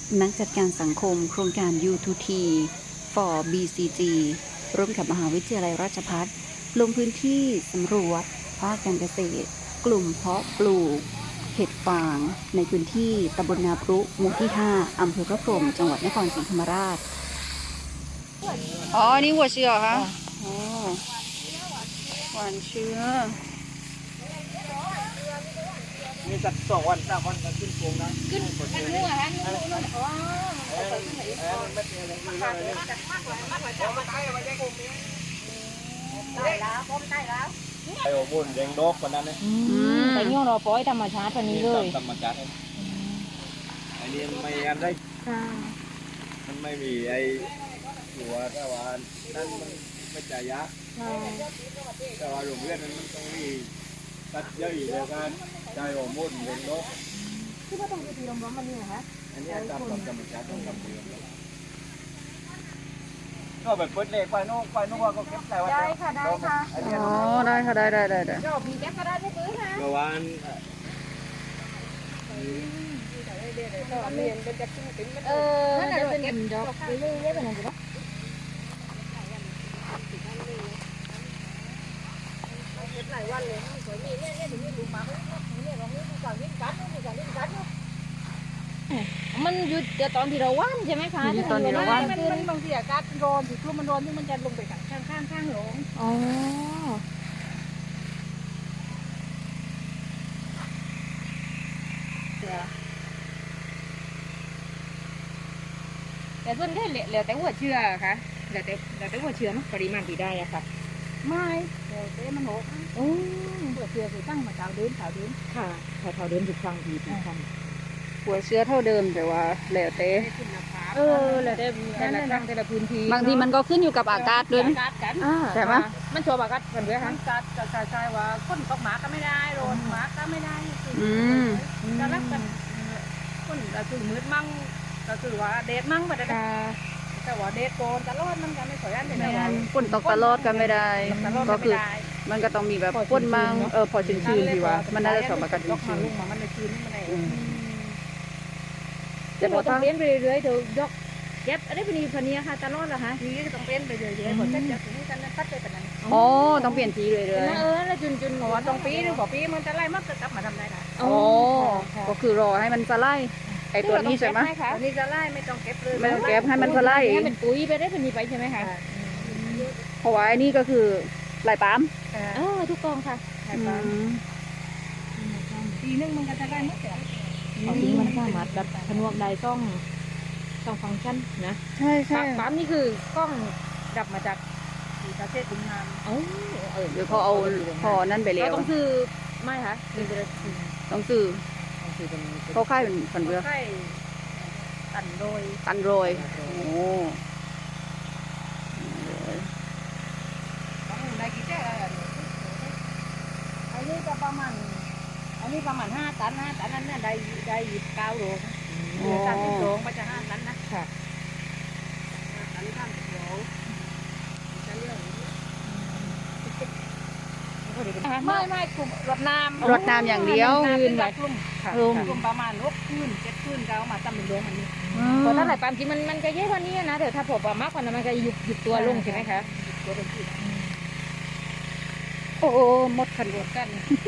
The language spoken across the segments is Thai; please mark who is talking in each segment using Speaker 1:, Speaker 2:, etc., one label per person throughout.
Speaker 1: นักจัดการสังคมโครงการ U2T for BCG ร่วมกับมหาวิทยาลัยราชภัฏลงพื้นที่สำรวจภาคการเกษตรกลุ่มเพาะปลูกเห็ดฟางในพื้นที่ตำบลนาพรุหมู่ที่ 5 อำเภอพระพรหมจังหวัดนครศรีธรรมราชอ๋อนี่หัวเชื้อคะอ๋อหวานเชื้อ
Speaker 2: มีสัก2 วัน 3 วันก็ขึ้นโค้งนะขึ้นกันหัวฮะนู่นอ๋อมันไม่เป็นอะไรเลยได้แล้วพร้อมได้แล้วไอ้โอ้บุญแดงดอกคนนั้นเนี่ย
Speaker 3: แต่ย่อเราปล่อยธรรมชาติวันนี้เลย
Speaker 2: ธรรมชาติอันนี้ไม่อันได้มันไม่มีไอ้หัวแต่ว่านั่นมันไม่จ่ายยาแต่ว่าโรงเรียนมันต้องมีตัดเยอะอีกแล้วกันใจโอ้บุญแดงดอก
Speaker 3: ที่ว่าต้องไปตีลมร้อนมันนี่เหรอคะ
Speaker 2: อันนี้ตามธรรมชาติต้องทำเองก็แบบเปิดเล็กไปนู่นว่าก็เก็บได้ว่า
Speaker 3: ได้ค่ะได้ค่ะ
Speaker 1: อ๋อได้ค่ะได้
Speaker 3: จบมีแก๊ปก็ได้ไม่ซื้อนะ
Speaker 2: เมื่อวาน
Speaker 3: นั่นแหละเป็นดอกเรื่อยๆเป็นอะไรบ้างหลายวันเลยสวยมีเนี่ยถึงมีลูกมาเนี่ยเราไม่มีการวิ่งกัดไม่มีการวิ่งกัดมันหยุดแต่ตอนที่เราว่านใช่ไหมคะ
Speaker 1: ตอนที่เราว่าน
Speaker 3: มันบางทีอากาศร้อนถึงมันร้อนที่มันจะลงไปข้างหลงอ๋อแต่ส่วนใหญ่แล้วแต่หัวเชื้อค่ะแล้วแต่หัวเชื้อปริมาณที่ได้อะค่ะไม่แล้วแต่มันโหดโอ้หัวเชื้อคือตั้งมาเท่าเดิมค่ะเท่าเดิมทุกครั้งทุกครั้ง
Speaker 1: หัวเชื้อเท่าเดิมแต่ว่าแล้วแต่
Speaker 3: แล้วแต่ละครั้งแต่ละพื้นที่
Speaker 1: บางทีมันก็ขึ้นอยู่กับอากาศด้วยใช่ไหม
Speaker 3: มันชัวร์อากาศเหมือนเดิมค่ะอากาศใช่ว่าคนตกหมาก็ไม่ได้โดนหมาก็ไม่ได้จะรักกันคนก็คือมืดมั่งก็คือว่าเดทมั่งไปได้แต่ว่าเดทโกนตลอดมันก็ไม่สวยอันเดียว
Speaker 1: ฝนตกตลอดกันไม่ได้ก็คือมันก็ต้องมีแบบฝนมั่งพอชื้นๆดีว่ามันน่าจะสมกับชื้น
Speaker 3: ๆมันจะชื้นมันอะไรแต่พอต้องเลี้ยงไปเรื่อยๆเดี๋ยวยกเย็บอะไรเป็นพันนี้ค่ะตลอดเหรอคะนี่ต้องเปลี่ยนไปเรื่อยๆหมดจะถึงกันตัดไปแบบนั้น
Speaker 1: อ๋อต้องเปลี่ยนทีเลย
Speaker 3: แล้วจุนหัวตรงปีหรือบอกปีมันจะไล่มักจะกลับมาทำได้ค่ะ
Speaker 1: อ๋อก็คือรอให้มันสไลด์ไอตัวนี้ใช่ไหม
Speaker 3: ตัวนี้จะไล่ไม่ต้องเก็บเลย
Speaker 1: ไม่ต้องเก็บให้มันสไลด์
Speaker 3: ให้เป็นปุ๋ยไปได้พันนี้ไปใช่ไหมคะ
Speaker 1: เพราะว่าไอ้นี่ก็คือลายปั๊ม
Speaker 3: ทุกกองค่ะปีนึงมันก็จะได้ไม่เสียเอาทิ้งมันสามารถดัดผนวกได้ต้องฟังก์ชันนะ
Speaker 1: ใช่
Speaker 3: ปั๊มนี่คือกล้องดับมาจากประเทศถึงงาน
Speaker 1: เดี๋ยวเขาเอาพอนั่นไปแล้ว
Speaker 3: ต้องซื้อไม่คะ
Speaker 1: ต้องซื้อเขาค่ายเป็นฝันเบือ
Speaker 3: ตันโรย
Speaker 1: โอ้
Speaker 3: ได้กี่เจ้าอันนี้ประมาณ5 ตันนั่นเนี่ยได้29 โล30 โลมันจะ5 ตันนะค่ะตัน30 โลจะเรื่องไม่กลุ่มรดน้
Speaker 1: ำอย่างเดียว
Speaker 3: กลุ่มประมาณ6 คืน 7 คืนก็เอามาทำเป็นโรงอันนี้เพราะถ้าหลายปามจริงมันก็เยอะกว่านี้นะเดี๋ยวถ้าผมมากกว่านั้นมันก็หยุดตัวลงใช่ไหมคะตัวเป็นที่
Speaker 1: โอ้หมดขันกัน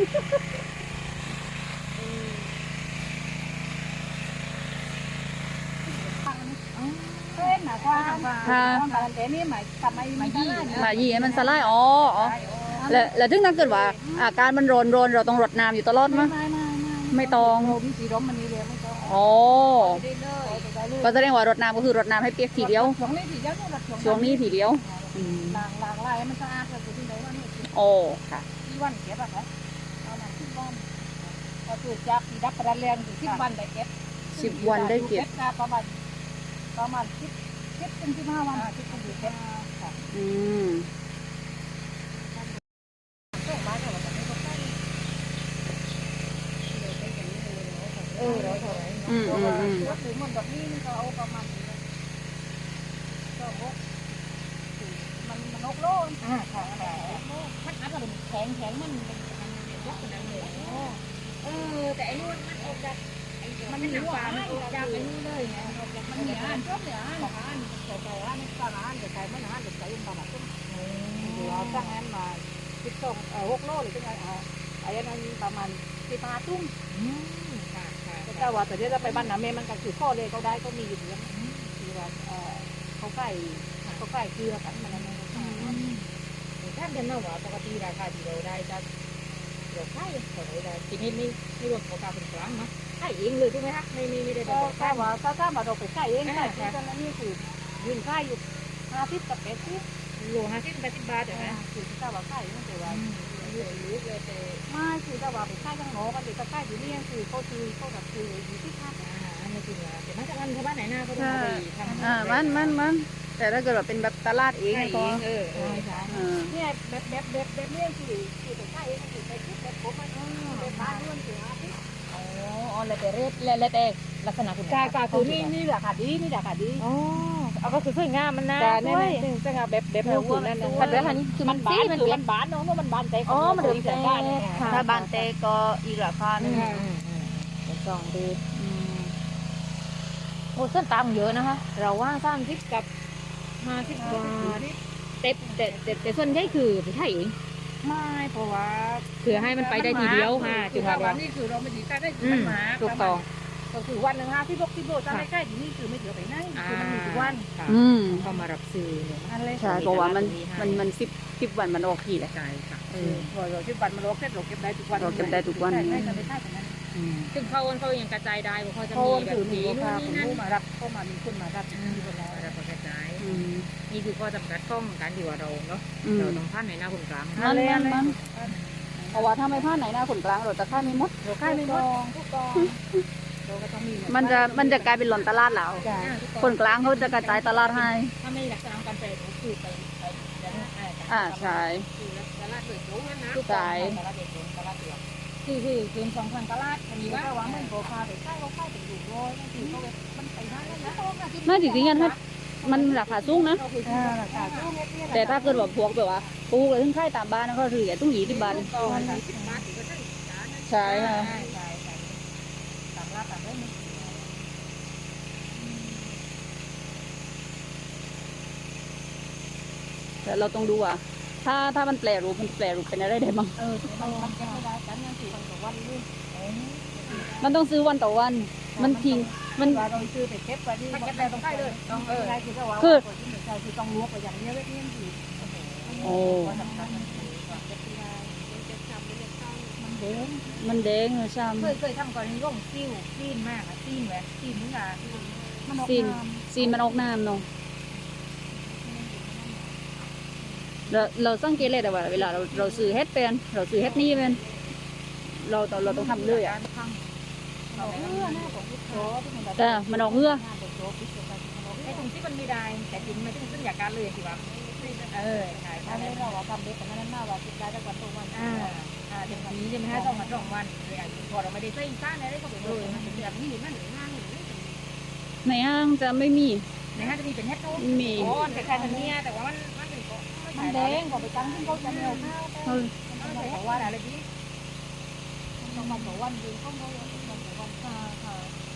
Speaker 3: เป็นหมายความว่าแต่นี่หมายทำไม
Speaker 1: มายี่มันสไลด์แล้วถึงถ้าเกิดว่าอาการมันร้อนเราต้องรดน้ำอยู่ตลอดมั้ยไม่ต้อง
Speaker 3: วิธีร้มมันนี้เลยไม่ต้อง
Speaker 1: ก็แสดงว่ารดน้ำก็คือรดน้ำให้เปียกทีเดียวช่วงนี้ทีเดียว
Speaker 3: ล้างลายมันสะอาดก็คือที่ไหนว่านี่
Speaker 1: ค่ะ
Speaker 3: ที่วันเก็บอะคะเอาหนังที่วันพอถูกจับดับประแรงอยู่10 วันได้เก็บ
Speaker 1: 10 วันได้เก็บ
Speaker 3: ประมาณ10 ถึง 15 วัน10 ถึง เก็บค่ะเราเท่าไหร่ก็ถึงมันแบบนี้ก็เอาประมาณก็มัน6 โลค่ะมันอาจจะแข็งมันยกขนาดเลยแต่ไอ้นู่นมันออกจากมันหนักกว่ามันออกจากไอ้นู่นเลยนะมีอาหารชอบเนี่ยอาหารใส่อาหารตามอาหารใส่มันอาหารใส่ตามอาหารเดี๋ยวตั้งนั้นมา6 โลหรือเป็นไงไอ้นั้นประมาณ15 ตุ้มแต่ว่าแต่เดี๋ยวจะไปบ้านน้าเมมันกันคือข้อเลยเขาได้ก็มีอยู่เยอะคือว่าเขาใกล้เกลือกันมันนั่นถ้าเดินมาว่าปกติราคาที่เราได้จะเราขายเท่าไหร่ได้ทีนี้ไม่รวมของการเป็นกลางนะขายเองเลยใช่ไหมคะไม่ได้แบบถ้าว่าเราไปขายเองขายที่ตอนนั้นนี่คือยืนขายอยู่50 กับ 80 โล50 80 บาทเดี๋ยวนะคือถ้าว่าขายนั่นคือว่าไม่คือถ้าว่าไปขายข้างนอกกันเด็กก็ขายอยู่นี่คือเขาแบบคืออยู่ที่ภาคอันนี้จริงเหรอแต่มาจากบ้านไหนหน้าเขาต้องไปทำ
Speaker 1: มันแต่ถ้าเกิดว่าเป็นแบบตลาดเองก็
Speaker 3: เนี่ยแบบนี้คือไปขายเองคือไปคิดแบบผมมันเป็นบ้านนู่นคืออ๋อแล้วแต่เรทแล้วแต่ลักษณะคุณค่าคือนี่ราคาดีอ๋อเอาก็คือสวยงามมันนะด้วยสวยงามแบบเนื้อคุณนั่นนะแต่อันนี้คือมันบานเนาะมันบานแต่อ๋อมันเดินแต่บ้าน
Speaker 1: ถ้าบานเตก็อีกราคาหนึ่ง
Speaker 3: เป็น2 เดือนโอ้ส้นตำเยอะนะคะเราว่า30 กับ50 บาทแต่ส่วนใหญ่คือไปขายเองไม่เพราะว่าเผื่อให้มันไปได้ทีเดียวค่ะจุดวันนี่คือเราไม่ดีได้มันมาถูกต้องก็คือวันหนึ่ง50 60 โลจะได้ใกล้ที่นี่คือไม่เยอะไปไหนคือมันมีทุกวันเขามารับซื้อเนี่ย
Speaker 1: ใช่เพราะว่ามัน10 วันมันออกทีแหละ
Speaker 3: ใช่ค่ะพอเรา10 วันมันออกเสร็จเราเก็บได้ทุกวันได้กันไม่ได้แต่นั้นซึ่งเขายังกระจายได้เพราะเขาจะมีแบบนี้นู่นนี่นั่นมารับเข้ามามีคนมารับที่คนแล้วรับกระจายนี่คือข้อจำกัดข้องการที่ว่าเราเนาะเราต้องผ่านในหน้าคนกลาง
Speaker 1: มันเพราะว่าถ้าไม่ผ่านไหนหน้าคนกลางเราจะค่ายไม่หมด
Speaker 3: เราค่ายไม่หมดทุกกองเราก็ต้องมี
Speaker 1: มันจะกลายเป็นหล่นตลาดแล้วคนกลางเขาจะกระจายตลาดให้
Speaker 3: ถ้าไม่รักษาการแปลคือไป
Speaker 1: ใช่
Speaker 3: ตลาดเปิดโจ้งั้นนะ
Speaker 1: ใช่
Speaker 3: ตลาดเปิดโจ้ตลาดเปิดคือ2,000 ตลาดอันนี้ว่ามันโกคาไปใกล้เขาใกล้ถึงอยู่ร้อยนั่นคือเขามันไปได้แล้วนะ
Speaker 1: น่าจริงๆงั้นมันราคาสูงนะแต่ถ้าเกิดว่าพวกแบบว่าปูเลยถึงค่ายตามบ้านก็ถือต้อง20 บาทใช่ค่ะ
Speaker 3: ตามร้านตามได้ไหม
Speaker 1: แต่เราต้องดูว่าถ้ามันแปลรูปเป็นอะไรได้บ้าง
Speaker 3: มันแก้ไม่ได้กันนั่นคือวันต่อวันนี่
Speaker 1: มันต้องซื้อวันต่อวันมันทิ้งมัน
Speaker 3: เราซื้อไปเก็บไปที่เก็บได้ต้องใกล้เลยคือต้องลวกไปอย่างนี้เลยนี่คือ
Speaker 1: โอ้มันแดงเลยช่
Speaker 3: ำเคยทำก่อนนี้ก็ซีนมากซีนแหวนซีนนี่ค่ะ
Speaker 1: ซีนมันออกน้ำเนาะเราสังเกตเลยแต่ว่าเวลาเราซื้อเฮ็ดเป็นเราซื้อเฮ็ดนี่เป็นเราต้องทำเลยแต่มันออกเหื่อ
Speaker 3: ไอ้ตรงที่มันไม่ได้แต่จริงมันต้องอยากการเลยสิวะใช่ถ้าไม่เราทำเด็กแต่นั้นน่าว่าคิดได้แต่วันตรงวันอย่างนี้ใช่ไหมฮะ2 วัน 2 วันพอเราไม่ได้ใส่ซ่าในได้ก็ไปเลยมันเป็นแบบนี้นั่นหรือห้าง
Speaker 1: ในห้างจะไม่มี
Speaker 3: ในห้างจะมีเป็นเฮ็ดตู้
Speaker 1: มี
Speaker 3: อ๋อแต่แค่ทันเนี่ยแต่ว่ามันเป็นมันแดงบอกไปตั้งที่เขาจะไม่เอาข้าวมันใส่ของวันอะไรที่ต้องมาต่อวันยืนข้างเขาต้องต่อวันค่ะ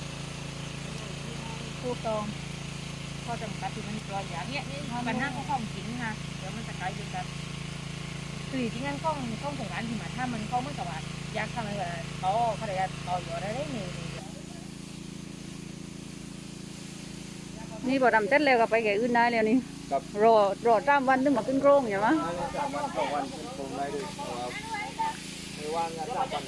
Speaker 3: ถูกต้องพอจำกัดที่มันตัวอย่างเนี้ยนี่ปัญหาของจริงค่ะเดี๋ยวมันจะกลายเป็นแบบสื่อที่งั้นของของร้านที่มาถ้ามันเขาไม่สวัสดิ์ยากทำอะไรแบบเขาเลยต่ออยู่ได้หนึ่ง
Speaker 1: นี่พอทำเสร็จแล้วก็ไปแก่อื่นได้แล้วนี่รอ3 วันถึงมาขึ้นโครงใช่ไหม
Speaker 2: 3 วัน 2 วันขึ้นโครงได้เลยไม่ว่างงาน3 วัน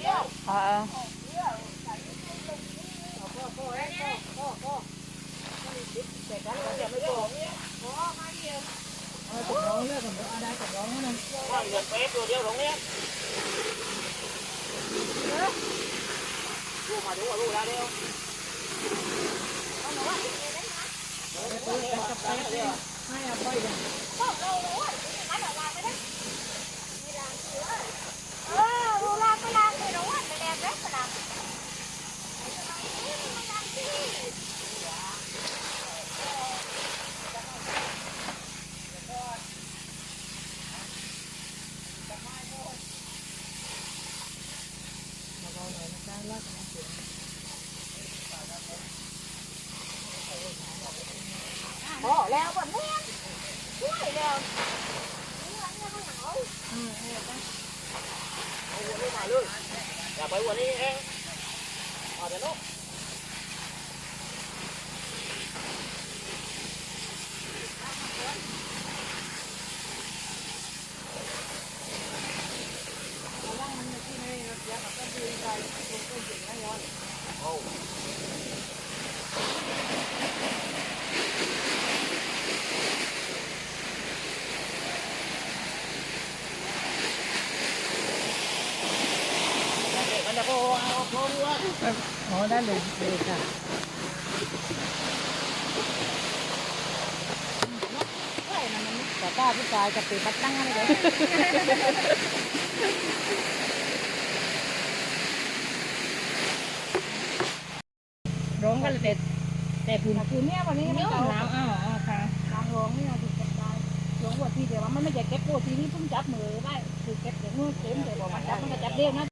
Speaker 3: ตกน้องเลือกผมได้ตกน้องนั่นว่าเงินเป๊ะตัวเดียวตรงนี้ลูกมาดูว่าลูกแล้วเดียวไม่เอาไปเลย
Speaker 4: ดูลากไปลากไปร้อนไปแดงเล็กขนาด
Speaker 3: เราหน่อยมันได้ลากกันเสียงพอแล้วแบบนี้ช่วยแล้ว
Speaker 2: อย่าไปวันนี้เองเอาแต่ลูก
Speaker 3: อ๋อได้เลยเลยค่ะแต่ป้าผู้ชายจะตีปัดตั้งอะไรเลยร้องกันแต่ผืนคืนเนี้ยวันนี้ไม่เอาน้ำค่ะน้ำร้องนี่นะถึงจะได้ร้องว่าทีเดียวว่ามันไม่ใช่เก็บโปรทีนี้เพิ่งจับมือได้คือเก็บเดี๋ยวมือเต็มแต่บอกมันจับมันก็จับเด้งนะ